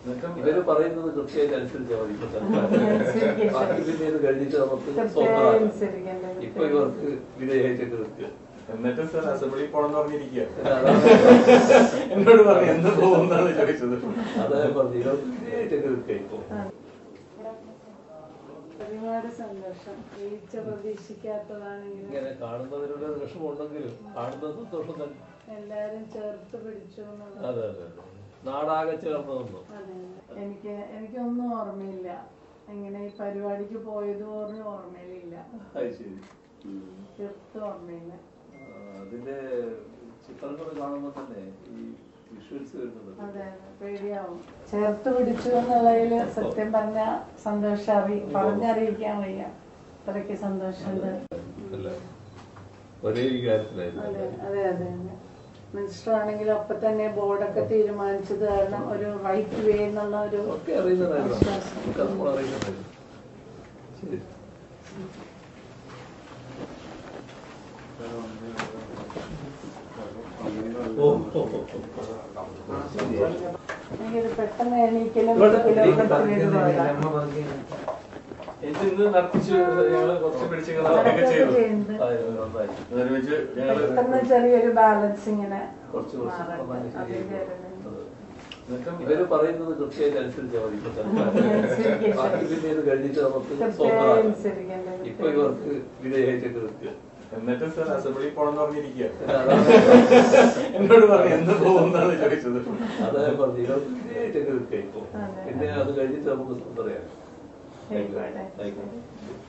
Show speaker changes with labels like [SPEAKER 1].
[SPEAKER 1] ഇവര് പറയുന്നത് കൃത്യമായിട്ട് അനുസരിച്ചാൽ മതി. ബാക്കി പിന്നെ ഇത് കഴിഞ്ഞിട്ട് നമുക്ക് സ്വന്തമാക്കാം. ഇപ്പൊ ഇവർക്ക് വിധേയമായിട്ടൊക്കെ നിൽക്കുക.
[SPEAKER 2] എന്നിട്ട് സാർ അസംബ്ലി പോണെന്ന് പറഞ്ഞിരിക്കുക. എന്നോട് പറഞ്ഞു എന്ത് പോകുന്നാണ് ചോദിച്ചത്.
[SPEAKER 1] അതായത് പറഞ്ഞു ഇവർക്ക് വിധേയമായിട്ടൊക്കെ നിൽക്കുക. ഇപ്പൊ
[SPEAKER 3] ഒരുപാട് സന്തോഷം. പ്രതീക്ഷിക്കാത്തതാണെങ്കിലും
[SPEAKER 1] ഇങ്ങനെ കാണുന്നതിനുള്ള വിഷമമുണ്ടെങ്കിലും കാണുന്ന സന്തോഷം തന്നെ.
[SPEAKER 3] എല്ലാരും ചേർത്ത് പിടിച്ചു.
[SPEAKER 1] അതെ അതെ അതെ, നാടാകെ ചേർന്നതൊന്നും
[SPEAKER 3] എനിക്കൊന്നും ഓർമ്മയില്ല. ഇങ്ങനെ ഈ പരിപാടിക്ക് പോയത് പോലും ഓർമ്മയിലില്ല. തീർത്തും ഓർമ്മയില്ല.
[SPEAKER 1] അതിന്റെ ചിത്രങ്ങൾ കാണുമ്പോ തന്നെ ഈ വിഷ്വൽസ് വരുന്നത്
[SPEAKER 3] അതെ പേടിയാവും. ചേർത്ത് പിടിച്ചു എന്നുള്ളതില് സത്യം പറഞ്ഞ സന്തോഷം പറഞ്ഞറിയിക്കാൻ വയ്യ. അത്രയ്ക്ക് സന്തോഷമുണ്ട്.
[SPEAKER 1] ഒരേ കാര്യത്തിലായിരുന്നു.
[SPEAKER 3] അതെ അതെ അതെ അതെ. മിനിസ്റ്റർ ആണെങ്കിലും അപ്പൊ തന്നെ ബോർഡൊക്കെ തീരുമാനിച്ചത് കാരണം ഒരു റൈറ്റ് വേ എന്നുള്ള ഒരു എനിക്കിത് പെട്ടെന്ന് എണീക്കലും പെട്ടെന്ന് ചെറിയൊരു ബാലൻസ് ഇങ്ങനെ.
[SPEAKER 1] ഇവര് പറയുന്നത് കൃത്യമായിട്ട് അനുസരിച്ചാൽ മതി. ബാക്കി പിന്നെ ഇത് കഴിഞ്ഞിട്ട് നമുക്ക് സ്വന്തമാക്കാം. ഇപ്പൊ ഇവർക്ക് വിധേയമായിട്ടൊക്കെ നിൽക്കുക.
[SPEAKER 2] എന്നിട്ട് സാർ അസംബ്ലി പോണെന്ന് പറഞ്ഞിരിക്കുക. എന്നോട് പറഞ്ഞു എന്ത് പോകുന്നാണ് ചോദിച്ചത്.
[SPEAKER 1] അതായത് പറഞ്ഞു ഇവർക്ക് വിധേയമായിട്ടൊക്കെ നിൽക്കുക. ഇപ്പൊ പിന്നെ അത് കഴിഞ്ഞിട്ട് നമുക്ക് സ്വന്തം പറയാം.